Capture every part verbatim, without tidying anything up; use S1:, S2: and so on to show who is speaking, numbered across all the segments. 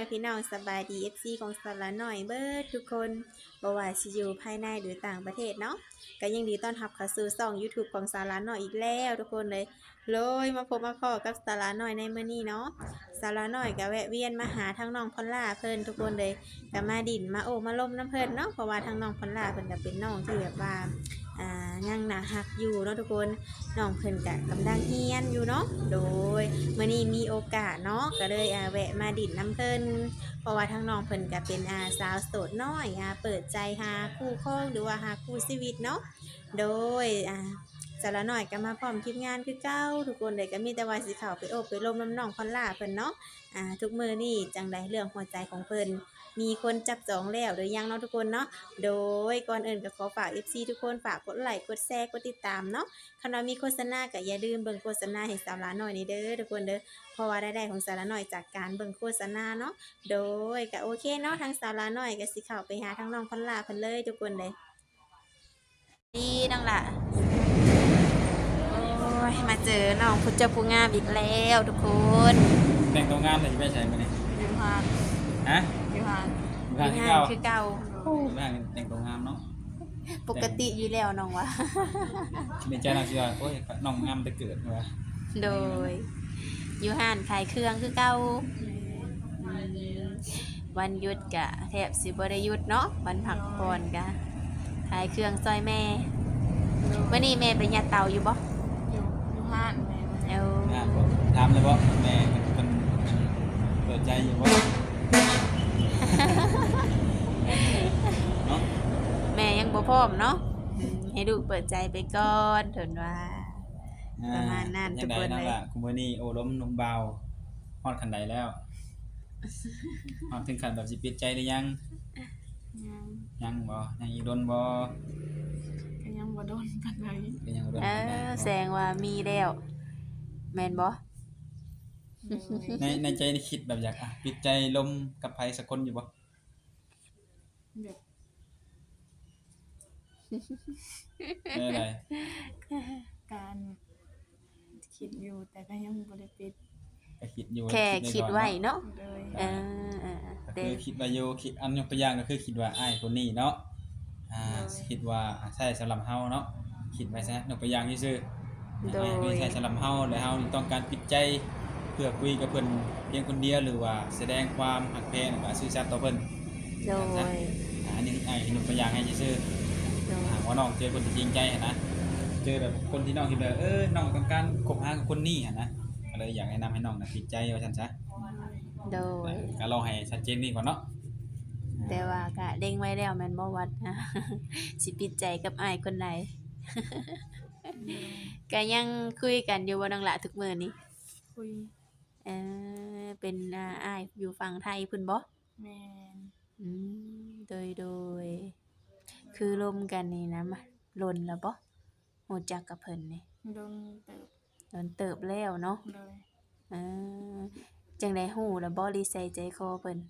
S1: ม่พี่น้องสบายดี เอฟ ซี ของสาระน้อยเบิดทุกคนบ่ว่าสิอยู่ภายในหรือต่างประเทศเนาะก็ยังดีต้อนรับเข้าสู่ช่อง YouTube ของสาระน้อยอีกแล้วทุกคนเลยเลยมาพบมาพ้อกับสาระน้อยในมื้อนี้เนาะสาระน้อยก็แวะเวียนมาหาทั้งน้องพอลล่าเพิ่นทุกคนเลยก็มาดินมาโอ้มาล้มน้ำเพิ่นเนาะเพราะว่าทั้งน้องพอลล่าเพิ่นก็เป็นน้องที่แบบว่าอ่ายังน่าฮักอยู่เนาะทุกคนน้องเพิ่นก็กำลังเรียนอยู่เนาะโดยมื้อนี้มีโอกาสเนาะก็เลยอ่าแวะมาดินน้ำเพิ่นเพราะว่าทั้งน้องเพิ่นก็เป็นอาสาวโสดน้อยอ่าเปิดใจหาคู่ครองหรือว่าหาคู่ชีวิตเนาะโดยอ่าสาระน้อยก็มาพร้อมทีมงานคือเก่าทุกคนเลยก็มีแต่ว่าสิเข้าไปโอบไปลมน้ำน้องพอลล่าเพิ่นเนาะอ่าทุกมื้อนี้จังไดเรื่องหัวใจของเพิ่นมีคนจับจองแล้วหรือยังเนาะทุกคนเนาะโดยก่อนอื่นก็ขอฝาก เอฟ ซี ทุกคนฝากกดไลค์กดแชร์กดติดตามเนาะคันว่ามีโฆษณาก็อย่าลืมเบิ่งโฆษณาให้สาระน้อยนี่เด้อทุกคนเด้อเพราะว่ารายได้ของสาระน้อยจากการเบิ่งโฆษณาเนาะโดยก็โอเคเนาะทางสาระน้อยก็สิเข้าไปหาทางน้องพอลล่าเพิ่นเลยทุกคนเลยดีน้องล่ะโอ้ยมาเจอน้องผู้เจ้าผู้งามอีกแล้วทุกคน
S2: แต่งตัวงามเลยไม่ใช่ไหมเนี่ย
S3: อยู่ห่าง
S2: ฮะ
S3: อยู่ห่าง
S2: งานที่
S1: งา
S2: เก่าน
S1: คือเก่า
S2: งานแต่งตัวงามเนาะ
S1: ปกติอยู่แล้วน้องวะ
S2: ในใจเราเชื่อโอ้ยน้องงามแต่เกิดวะ
S1: โดยอยู่ห้านขายเครื่องคือเก่าวันหยุดกะแทบสิบ่ได้หยุดเนาะวันพักผ่อนกะขายเครื่องซอยแม่มื้อนี้แม่ไปยัดเตาอยู่บ่
S3: อยู่อยู่ห่างแม่
S1: เอา
S2: งามบ่ถามเลยว่าแม่มันเปิดใจอยู่ว่าเนาะ
S1: แม่ยังบ่พร้อมเนาะอืมให้ลูกเปิดใจไปก่อนเถินว่า ประมาณนั้นทุกคนเลย
S2: งไงนั่นล่ะคุณมื้อนี้โอ้ล้มนุ่มเบาฮอดขันใดแล้วฮอดถึงขั้นแบบสิปิดใจหรือยัง
S3: ยัง
S2: ยังบ่ยังอีกโดนบ่
S3: ก็ยังบ่โดนปานใด
S2: ก็ยังบ่โดน
S1: เอ
S2: ปานใด
S1: อ
S2: เนาะ
S1: แสดงว่ามีแล้วแม่นบ่
S2: ในในใจนี่คิดแบบอยากอ่ะปิดใจลมกับไผสักคนอยู่บ่
S3: แบบ
S2: เออได
S3: การคิดอยู่แต่ก็ยังบ่ได้ปิด
S2: ก็คิดอยู่
S1: แค่คิดไว้เนาะ
S3: เลย
S1: เออเออ
S2: ก็
S1: เด้
S2: คือคิดว่าอยู่คิดอันยกตัวอย่างก็คือคิดว่าอ้ายคนนี้เนาะอ่าคิดว่าอ่าใช่สำหรับเฮาเนาะคิดไว้ซะยกตัวอย่างซื่อๆ
S1: โด
S2: อ้าย
S1: ย
S2: คือใช่สำหรับเฮาแล้วเฮาต้องการปิดใจเพื่อคุยกับเพิ่นเพียงคนเดียวหรือว่าแสดงความรักแพงแล้วก็ซื่อสัตย์ต่อเพิ่น
S1: โดย
S2: อ่าอันนี้อ้ายยกตัวอย่างให้ซื่อ
S1: โด
S2: ๆ
S1: ย
S2: หากว่าน้องเจอคนที่จริงใจหันนะเจอแบบคนที่น้องคิดว่าเออน้องต้องการคบหากับคนนี้หันนะก็เลยอยากแนะนำให้น้องน่ะปิดใจว่าซั่นซะ
S1: โดย
S2: ก็ลองให้ชัดเจนนี่ก่อนเนาะ
S1: แต่ว่าก็เด้งไว้แล้วแม่นบ่วัด สิปิดใจกับอ้ายคนใด ก็ยังคุยกันอยู่บ่น้องละทุกมื้อนี้
S3: คุย
S1: เออเป็นอ่าอ้ายอยู่ฝั่งไทยพุ่นบ่
S3: แม่น
S1: อืมโดยโดยคือร่วมกันนี่นะมาลนแล้วบ่ฮู้จักกับเพิ่นนี่
S3: โดนเติบ
S1: ลนเติบแล้วเนาะ
S3: เลย
S1: เออจังได๋ฮู้แล้วบ่ลิใส่ใจคอเพิ่น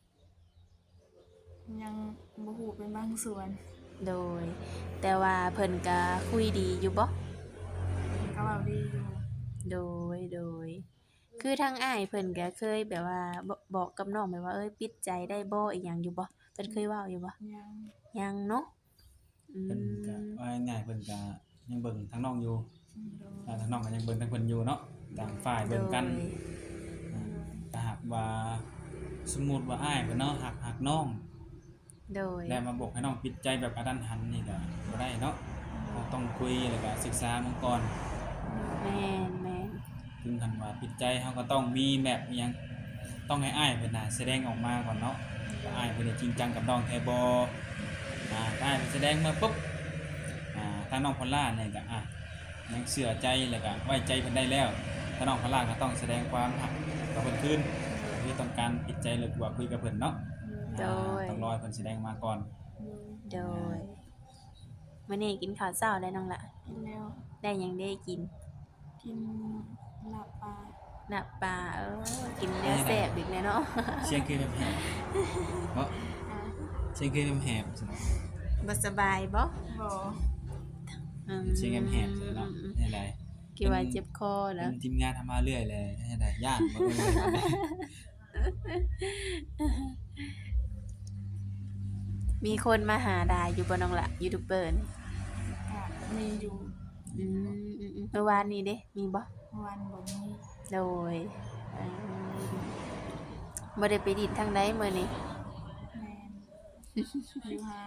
S3: ยังบ่ฮู้เป็นบางส่วน
S1: โดย แต่ว่าเพิ่นก็คุยดีอยู่บ่
S3: ก็เว้าดีอยู่
S1: โดยโดย คือทางอ้ายเพิ่นก็เคยแบบว่าบบอกกับน้องแบบว่าเอ้ยปิดใจได้บ่อีหยังอยู่บ่เพิ่นเคยเว้าอยู่บ่
S3: ยัง
S1: ยังเนาะอื
S2: เพิ่นก็
S1: ม
S2: ว่าง่ายๆเพิ่นก็ยังเบิ่งทั้งน้องอยู่
S3: โดย
S2: อ่าทั้งน้องก็ยังเบิ่งทั้งเพิ่นอยู่เนาะต่างฝ่าย
S1: โด
S2: เบิ่งกัน
S1: ย
S2: อ่าถ้าหากว่าสมมุติว่าอ้ายเพิ่นเนาะหักหักน้อง
S1: โดย
S2: แล้วมาบอกให้น้องปิดใจแบบกระทันหันนี่ก็บ่ได้เนาะเราต้องคุยแล้วก็ศึกษามันก่อน
S1: แม่นแม่น
S2: ถึงคันว่าปิดใจเฮาก็ต้องมีแบบอิหยังต้องให้อ้ายเพิ่นน่ะแสดงออกมาก่อนเนาะว่าอ้ายเพิ่นได้จริงจังกับน้องแท้บ่อ่าถ้าอ้ายเพิ่นแสดงมาปุ๊บอ่าทางน้องพอลล่าเนี่ยก็อ่ะยังเชื่อใจแล้วก็ไว้ใจเพิ่นได้แล้วถ้าน้องพอลล่าก็ต้องแสดงความรักกับเพิ่นคืนที่ต้องการปิดใจหรือว่าคุยกับเพิ่นเนาะ
S1: โดย
S2: อ่าต้องรอให้เพิ่นแสดงมาก่อน
S1: โดยมื้อนี้กินข้าวเช้าแล้วน้องละ
S3: กินแล้ว
S1: ได้หยังได้กิน
S3: กินลาบปลา
S1: น่ะปลาเออกินเนื้อแซ่บอีกแล้วเนาะ
S2: เสียงคือแหบๆเนาะ
S3: อ่ะ
S2: เสียงคือแหบๆสิ
S1: บ่สบายบ่
S3: บ่
S1: อืม
S2: เสียงแหบๆสิเนาะให้ได้
S1: คิดว่าเจ็บคอ
S2: เป็
S1: แล้ว
S2: นทีมงานทำมาเรื่อยเลยให้ได้ย่านบ่เอ่ย
S1: มีคนมาหาด่าอยู่บ่น้องละยูทูบเบอร์นี่
S3: ก็มีอยู่
S1: อืมอืมๆเมื่อวานนี้เด้มีบ่
S3: วันบ่มี
S1: โดยเอ่อบ่ได้ไปดินทางใดมื้อนี้
S3: แม่นอยู่หาน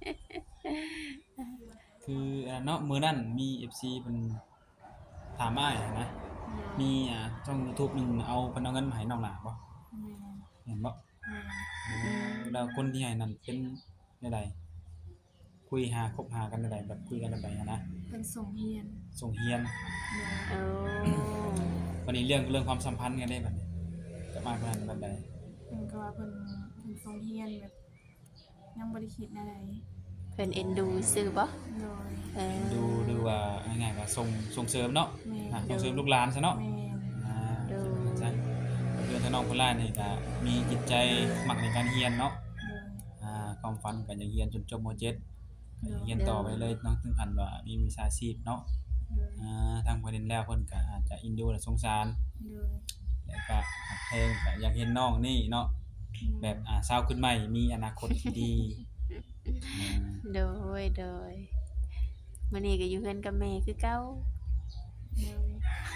S2: คืออ่าเนาะมื้อนั้นมี เอฟ ซี เพิ่นถามอ้ายนะ มีอ่าช่อง YouTube หนึงเอาเพิ่นเอาเงินมาให้น้องหลาบ่
S3: แม่น
S2: เห็นบ่
S3: แม่น
S2: อ๋อแล้วคนที่ให้นั่นเป็นแนวใดคุยหาคบหากันแนวใดแบบคุยกันแบบใดอะนะ
S3: เพิ่นส่งเรียน
S2: ส่งเรียน
S3: โดย
S1: โอ้
S2: วันนี้เรื่องเรื่องความสัมพันธ์กันได้บัดนี้กับอ้ายเพิ่นแบบใด
S3: เพิ่นก็ว่าเพิ่นเพิ่นส่งเรียนแบบยังบ่ได้คิดอะไร
S1: เพิ่นเอ็นดูซื่อบ่
S3: โดย
S1: เออ
S2: ดูดูว่าง่ายๆว่าส่งส่งเสริมเนาะ
S3: แม่
S2: อ่ะ
S3: น
S2: ส่งเสริมลูกหลานซะเนาะ
S3: แม่น
S2: อ่าใช่เรื่องทางน้องเพิ่นล่านี่ก็มีจิตใจมักในการเรียนเนาะ
S3: โดย
S2: อ่าความฝันก็อยากเรียนจนจบม .เจ็ด
S3: โดย
S2: เรียนต่อไปเลยเนาะถึงขั้นว่ามีวิชาชีพเนาะ
S3: โดย
S2: อ่าทางประเด็นแล้วเพิ่นก็อาจจะอินดูและสงสาร
S3: โดย
S2: แล้วก็หักแพงก็อยากเห็นน้องนี่เนาะแบบอ่าสาวขึ้นใหม่มีอนาคตที่ดีอ่า
S1: โดยโดยมื้อนี้ก็อยู่เฮือนกับแม่คือเก่า
S3: โดย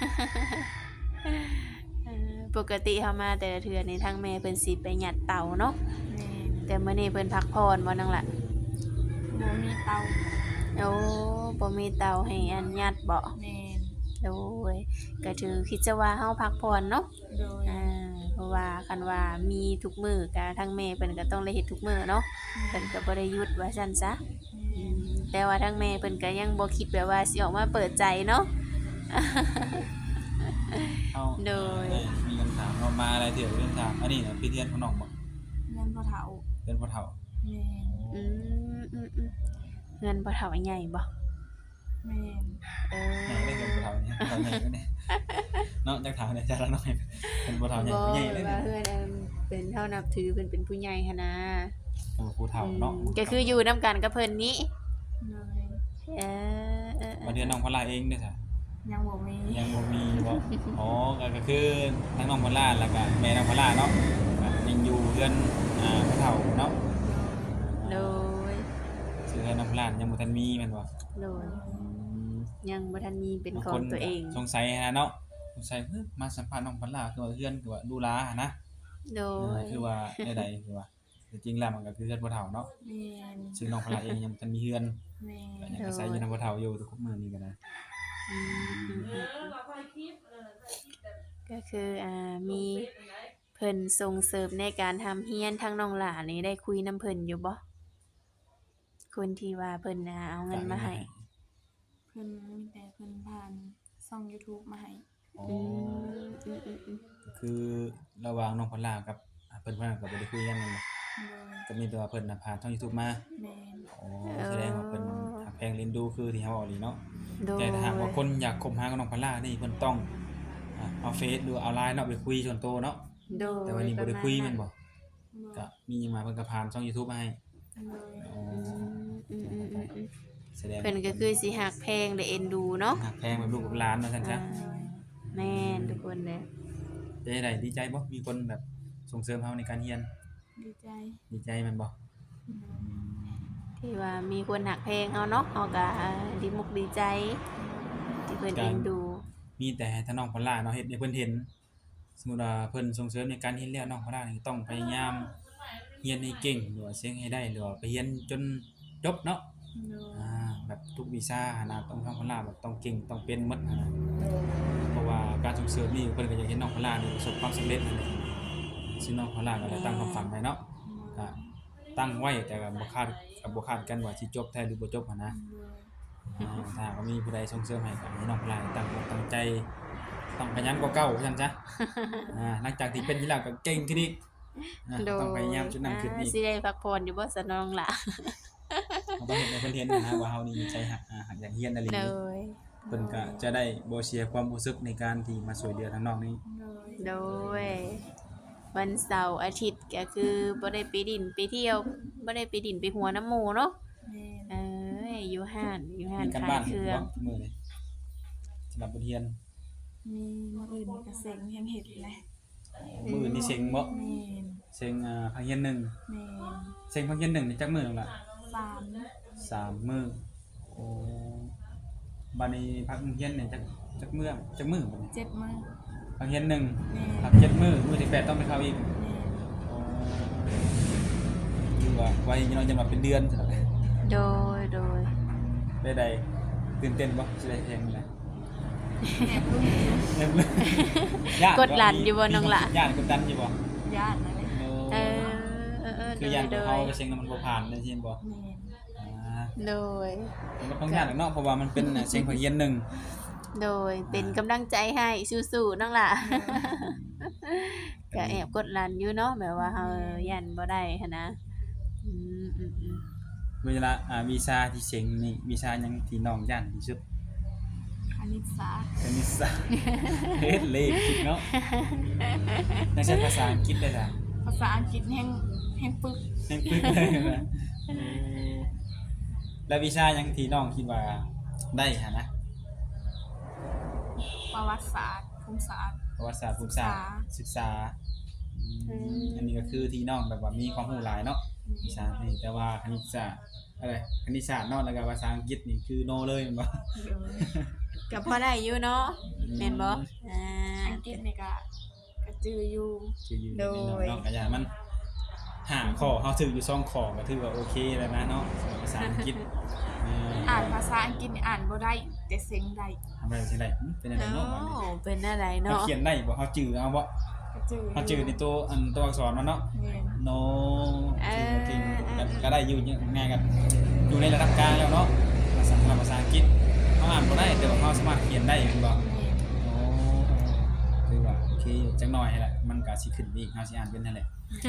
S1: เออปกติเฮามาแต่ละเทื่อนี่ทางแม่เพิ่นสิไปหยัดเตาเนาะ
S3: แม่น
S1: แต่มื้อนี้เพิ่นพักผ่อนบ่นั่งล่ะ
S3: บ่มีเตา
S1: โอ้บ่มีเตาให้อันหยัดบ่
S3: แม่น
S1: โดยก็ถือคิดจะว่าเฮาพักผ่อนเนาะ
S3: โดย
S1: อ่าเพราะว่าคันว่ามีทุกมื้อก็ทางแม่เพิ่นก็ต้องได้เฮ็ดทุกมื้อเนาะเพิ่นก็บ่ได้หยุดว่าซั่นซะ
S3: แม่
S1: อื
S3: น
S1: มแต่ว่าทางแม่เพิ่นก็ยังบ่คิดแบบว่าสิออกมาเปิดใจเนาะ
S2: เอา
S1: โดย
S2: เอ้มีคำถามเนาะมาอะไรเถียวเรื่องถามอันนี้น่ะพี่เทียนของน้องบ่
S3: เงินบ่เฒ่า
S2: เป็นพ่อเฒ่า
S3: แม่น
S1: อืมอืมอืมเงินบ่เท่าใหญ่บ่
S3: แม่น
S1: เอ
S2: ใหญ่เลยเป็นพ่อเฒ่าเนี่ยพ่อเฒ่าใหญ่เลยเนี่ยเนาะจักถามเนี่ยจะละน้อยเป็นพ่อเฒ่าใหญ่
S1: บ่
S2: ผู้ใหญ่เลย
S1: ว่า
S2: เนี่ย
S1: เฮือนอันเป็นเท่านับถือเพิ่นเป็นผู้ใหญ่หันนะ
S2: เป็นผู้เฒ่าเนาะ
S1: อืมก็คืออยู่นํกันกับเพิ่นนี้
S3: โดย
S1: เออเออเอ
S2: มา
S1: อ
S2: เดือนน้องพลาเองเด้อจ้ะ
S3: ยังบ่มี
S2: ยังบ่มีบ่อ๋อก็ก็คือทั้งน้องพลาแล้วก็แม่น้องพลาเนาะก็ยังอยู่เรือนอ่าพ่อเฒ่าเนาะ
S1: โดย
S2: ชื่อให้น้องพลายังบ่ทันมีแม่นบ่
S1: โดย
S2: อืม
S1: ยังบ่ทันมีเป็น
S2: บาง
S1: ขอ
S2: ค
S1: ง
S2: น
S1: ตัวเอง
S2: ก็สงสัยนะเนาะสงสัยเฮ้ยมาสัมภาษณ์น้องพลาคือว่าเฮือนคือว่าดูหลาหันนะ
S1: โด
S2: เออย คือว่าใดๆคือว่าแต่จริงแล้วมันก็คือเฮือนพ่อเฒ่าเนาะ
S3: แม่น
S2: ซึ่งน้องพลาเองยังบ่ทันมีเฮือน
S3: แม่
S2: ก็
S3: น
S2: ยังอาศัยอยู่นำพ่อเฒ่าอยู่ทุกมื้อนี้ก็ได้
S1: อืมอืมอืมก็คืออ่ามีเพิ่นส่งเสริมในการทำเฮียนทางน้องหลานนี่ได้คุยนํเพิ่นอยู่บ่คนที่ว่าเพิ่นน่ะเอาเงินมาให้
S3: เพิ่นมีแต่เพิ่นผ่านช่อง YouTube มาให้
S2: อ๋อ
S1: อืมอืมอืมอืม
S2: ก็คือระหว่างน้องพลากับอ่าเพิ่นเพิ่นก็บ่ได้คุยกันแม่นบ่
S3: โดย
S2: ก็มีแต่ว่าเพิ่นน่ะผ่านช่อง YouTube มา
S3: แม่น
S2: อ๋อแสดงว่าเพิ่นหักแพงเล่นดูคือที่เฮาเว้านี่เนาะ
S1: โดย
S2: แต่ถ้าหากว่าคนอยากคบหากับน้องพลานี่เพิ่นต้องอ่าเอาเฟซหรือเอา ไลน์ เนาะไปคุยส่วนตัวเนาะ
S1: โดย
S2: แต่วันนี้บ่ได้คุยแม่นบ่
S3: บ่
S2: ก็มีหยังมาเพิ่นก็ผ่านช่อง YouTube มาให้
S3: โดย
S2: อ๋อ
S1: อืมอืมอืมอืม
S2: แสดง
S1: เพิ่นก็คือสิหักแพงและเอ็นดูเนาะ
S2: หักแพงแบบลูกกับหลานว่าซั่นซะ
S1: อ่าแม่นทุกคนเลย
S2: เป็นจังไดดีใจบ่มีคนแบบส่งเสริมเฮาในการเรียน
S3: ดีใจ
S2: ดีใจแม่นบ่
S3: โดย
S1: ที่ว่ามีคนหักแพงเอาเนาะเฮาก็อ่าดีมุกดีใจ ที่เพิ่นเอ็นดู
S2: มีแต่ให้ถ้าน้องพลาเนาะเฮ็ดให้เพิ่นเห็น สมมุติว่าเพิ่นส่งเสริมในการเรียนแล้วน้องพลานี่ต้องพยายามเรียนให้เก่งหรือว่าเสียงให้ได้หรือว่าไปเรียนจนจบเนาะ
S3: โดย
S2: อ่าแบบทุกวิชาหั้นนะต้องน้องพลาแบบต้องเก่งต้องเป็นหมดหั้นนะเพราะว่าการส่งเสริมนี่เพิ่นก็อยากเห็นน้องพลานี่ประสบความสำเร็จนั่นแหละซึ่งน้องพลาก็ได้ตั้งความฝันไว้เนาะก็ตั้งไว้แต่ก็บ่คาดก็บ่คาดกันว่าสิจบแท้หรือบ่จบหั้นนะ
S3: โดย
S2: อ่าถ้าหากว่ามีผู้ใดส่งเสริมให้ก็ให้น้องพลาตั้งอกตั้งใจต้องขยันกว่าเก่าว่าซั่นซะอ่าหลังจากที่เป็นที่แล้วก็เก่งขึ้นอีกอ่า
S1: โดย
S2: ต้องพยายามจุดนั้นขึ้นอีก
S1: อ่าสิได้พักผ่อนอยู่บ่ซะน้องล่ะ
S2: เราต้องเห็นในเพิ่นเห็นนะว่าเฮานี่มีใจหักอ่าหักอย่างเฮียนอะไร
S1: โด
S2: นี้
S1: ย
S2: เพิ่นก็จะได้บ่เสียความรู้สึกในการที่มาช่วยเหลือทางน้องนี้
S3: โดย
S1: โดย วันเสาร์อาทิตย์ก็คือบ่ได้ไปดินไปเที่ยวบ่ได้ไปดินไปหัวน้ำหมู่เนาะ
S3: แม่น
S1: เอ้ยอยู่ห้านอยู่ห้าน
S2: มีการ
S1: ขาย
S2: บ้าน
S1: เครื่อง
S2: ทุกมื้อเลยสำหรับบทเรียน
S3: มีมื้ออื่นก็เซ็งยังเฮ็ดแหละ
S2: อมื้ออื่นนี่เซ็งบ่
S3: แม่น
S2: เซ็งอ่าพังเฮียนหนึ่ง
S3: แม่น
S2: เซ็งพังเฮียนหนึ่งนี่จักมื้อนั่นล่ะ
S3: สาม
S2: สามมื้อโอ้บัดนี้พักเฮียนนี่จักจักมื้อจักมื้อบัดนี้
S3: เจ็ดมื้อ
S2: พังเฮียนหนึ่ง
S3: แม่น
S2: พักเจ็ดมื้อมื้อที่แปดต้องไปเข้าอีก
S3: แม่น
S2: อ๋อคือว่าไว้ยังน้อยจะมาเป็นเดือนซั่นแหละ
S1: โดยโดย
S2: ได้ใดตื่นเต้นบ่สิได้แฮงเลย
S3: แอบลุ้น
S2: เริ่มเลยญาติ
S1: กดดันอยู่บ่น้องล่ะ
S2: ญาติกดดันอยู่บ่
S3: ญาตินั่นแหละ
S1: เออเออเออ
S2: คื
S1: โด
S2: อย ญาติ
S1: โด
S2: เขา
S1: ย
S2: ไปเซ็งแล้วมันบ่ผ่านได้ยินบ่
S3: แม่น
S2: อ่า
S1: โดย
S2: มันก็ต้องญาติหรอกเนาะเพราะว่ามันเป็นน่ะเซ็งพังเฮียนหนึ่ง
S1: โดยเป็นกำลังใจให้สู้ๆน้องล่ะ ก็แอบกดดันอยู่เนาะแบบว่าเฮายันบ่ได้หันนะอืมอืมอืม
S2: เวลาอ่าวีซ่าที่เซ็งนี่วีซ่าหยังที่น้องย่านที่สุด
S3: คณิตศาสตร์
S2: คณิตศาสตร์ เฮ็ดเลขคิดเนาะนักใช้ภาษาอังกฤษได้จ้ะ
S3: ภาษาอังกฤษแห่งแห่งปึก
S2: แม่งปึกเลยนะเออแล้ววีซ่าหยังที่น้องคิดว่าได้หั่นนะ
S3: ประวัติศาสตร์ภูมิศาสตร์
S2: ประวัติศาสตร์ภูมิศาสตร์ศึกษาอืมอันนี้ก็คือที่น้องแบบว่ามีความรู้หลายเนาะวิชานี่แต่ว่าคณิตศาสตร์อะไรคณิตศาสตร์เนาะแล้วก็ภาษาอังกฤษนี่คือโนเลยแม่นบ่
S3: เดี๋ยว
S1: ก็พอได้อยู่เนาะแม่นบ่อ่า
S3: อังกฤษนี่ก็ก็จืออยู่
S2: ชื่ออยู่
S1: โดย
S2: เนาะก็อย่างมันหาข้อเฮาถืออยู่สองข้อก็ถือว่าโอเคแล้วนะเนาะสำหรับภาษาอังกฤษเออ
S3: อ่านภาษาอังกฤษนี่อ่านบ่ได้แต่เซ็งได้
S2: ทำอะไรสิได้หึเป็นอะไร
S1: โอ้
S2: เนาะบัดนี้
S1: เป็นอะไร
S2: เฮา
S1: เนาะ
S2: เขียนได้บ่เฮาจื้อเอาบ่
S3: ก็จือ
S2: เฮาจื้อในตัวอันตัวอักษรมันเนาะ
S3: แม่น
S2: no จื้อจริงก็ก็ได้อยู่ง่ายกันอยู่ในระดับกลางแล้วเนาะภาษาภาษาอังกฤษเฮาอ่านบ่ได้แต่ว่าเฮาสามารถเขียนได้แม่นบ่
S3: แม่น
S2: โอ้คือว่าโอเคจังหน่อยแหละมันก็สิขึ้นไปอีกเฮาสิอ่านเป็นนั่นแหละ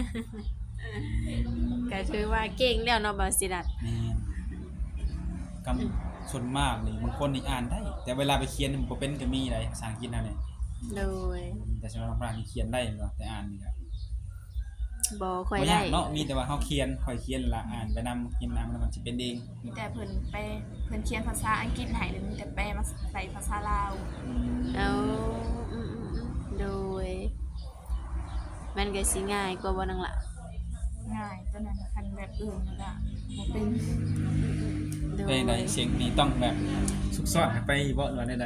S1: ก็ถือว่าเก่งแล้วเนาะบ่สิรัด
S2: แม่นคำส่วนมากนี่บางคนนี่อ่านได้ แต่เวลาไปเขียนมันบ่เป็นก็มีได้ภาษาอังกฤษนั่นแหละ
S1: โดย
S2: แต่สำหรับฝรั่งนี่เขียนได้บ่แต่อ่านนี่ก็
S1: บ่ค่อย
S2: บ่
S1: ได้
S2: ยากเนาะมีแต่ว่าเฮาเขียนค่อยเขียนละอ่านไปนำเขียนนำแล้วมันสิเป็นเอง
S3: มีแต่เพิ่นไปเพิ่นเขียนภาษาอังกฤษให้แล้วมีแต่แปลมาใส่ภาษาลาว
S1: เอาอืมๆๆโดย มันก็สิง่ายกว่าบ่นังล่ะ
S3: ง่ายตอนนั้นคันแบบอื่นนั่นล่ะบ่เป็น
S1: โด
S2: เพล
S1: ย
S2: งใดเสียงนี่ต้องแบบซุกซ่อนให้ไปบ่หรือว่าใด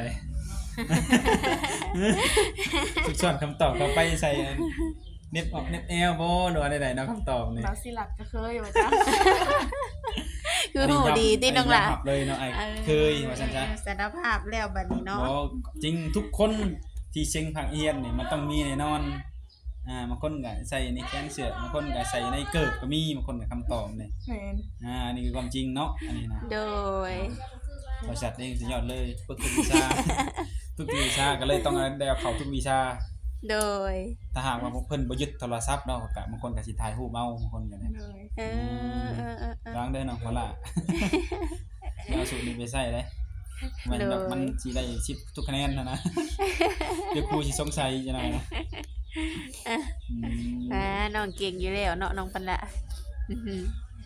S2: ๆ ซุกซ่อนคำตอบเข้าไปใส่อันเน็บออกเน็บแอลบ่หรือว่าใดๆเนาะคำตอบนี่
S3: บาสิลัดก็เคยว่าจ้ะ
S1: คือหูดีติน้องล่ะ
S2: ยอมรับเลยเนาะไอ้เคยว่าซั่นซะ
S1: สารภาพแล้วบัดนี้เนาะ
S2: บ่จริงทุกคนที่เชียงผักเอียนนี่มันต้องมีแน่นอนอ่าบางคนก็ใส่ในแขนเสื้อบางคนก็ใส่ในเกิบก็มีบางคนก็คำตอบนี่
S3: แม่น
S2: อ่าอันนี้คือความจริงเนาะอันนี้นะ
S1: โดย
S2: บริษัทเองสุดยอดเลยฝึกทุกวิชา ทุกวิชาก็เลยต้องได้เอาเข้าทุกวิชา
S1: โดย
S2: ถ้าหากว่าพวกเพิ่นบ่ยึดโทรศัพท์เนาะก็บางคนก็สิถ่ายรูปเอาบางคนก็ได้
S3: เลย
S1: เออเออเออเออ
S2: ล้างเด้อเนาะว่าล่ะ เอาสูตรนี้ไปใส่เด้มันแบบมันสิได้สิบทุกคะแนนนะนะ เดี๋ยวครูสิสงสัยจังได๋นะอืม
S1: อ่าน้องเก่งอยู่แล้วเนาะน้องปันละอื้อหือ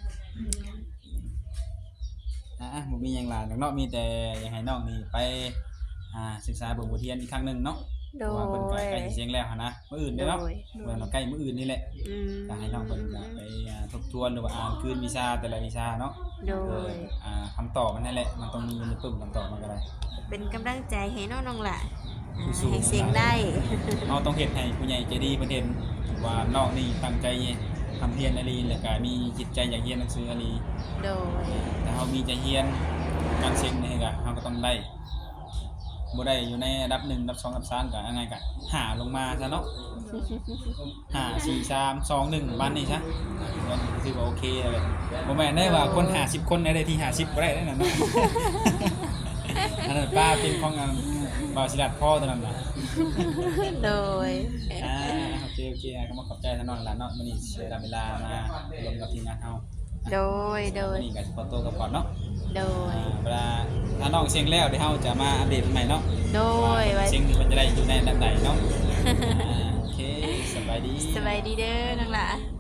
S2: อ่ะบ่มีหยังหลายดอกเนาะมีแต่อยากให้น้องนี่ไปอ่าศึกษาเบิ่งบทเรียนอีกครั้งหนึงเนาะ
S1: โด
S2: เพราะว่าเพิ่นก็
S1: ย
S2: ใกล้สิเสียงแล้วหันนะมื้ออื่น
S1: โด
S2: เด้อเนาะ
S1: ย
S2: เมื่อเราใกล้มื้ออื่นนี่แหละ
S1: อืม
S2: ก็ให้น้องเพิ่นก็ไปอ่าทบทวนหรือว่าอ่านคืนวิชาแต่ละวิชาเนาะ
S1: โด
S2: เออย อ่าคำตอบมันนั่นแหละมันต้องมีในปึ้มคำตอบมันก็ได้
S1: เป็นกำลังใจให้น้องน้องล่ะอ่า
S2: สู้ๆ
S1: ให้เสียงได้
S2: เราต้องเฮ็ดให้ผู้ใหญ่ใจดีเพิ่นเห็นว่าน้องนี่ตั้งใจทำเรียนอะลีแล้วก็มีจิตใจอยากเรียนหนังสืออะลี
S1: โดย
S2: แต่เฮามีใจเรียนการเซ็งนี่ก็เฮาก็ต้องได้บ่ได้อยู่ในอันดับหนึ่งอันดับสองอันดับสามก็ยังไงก็หาลงมาซะเนาะห้า สี่ สาม สอง หนึ่งบ้านนี้ซะมันถือว่าโอเคเลยบ่แม่นได้ว่าคนห้าสิบคนได้ที่ห้าสิบบ่ได้นั่นน่ะเนาะ อันนั้นป้าเป็นของอันบ่าวศิลัดพ่อตัวนั้นน่ะ
S1: โดย
S2: อ่าโอเคโอเคอ่ะก็มาขอบใจท่านน้องหลานเนาะมื้อนี้เสียเวลามาลงกับทีมงานเฮา
S1: โดยโดย
S2: มื้อนี้ก็สิขอตัวกลับก่อนเนาะ
S1: โดย
S2: อ่าเวลาถ้าน้องเสียงแล้วเดี๋ยวเฮาจะมาอัปเดตใหม่เนาะ
S1: โดย
S2: ว่า
S1: ไว้
S2: เสียงมันจะได้อยู่ในอันดับใดเนาะอ่าโอเคสบายดี
S1: สบายดีเด้อน้องล่ะ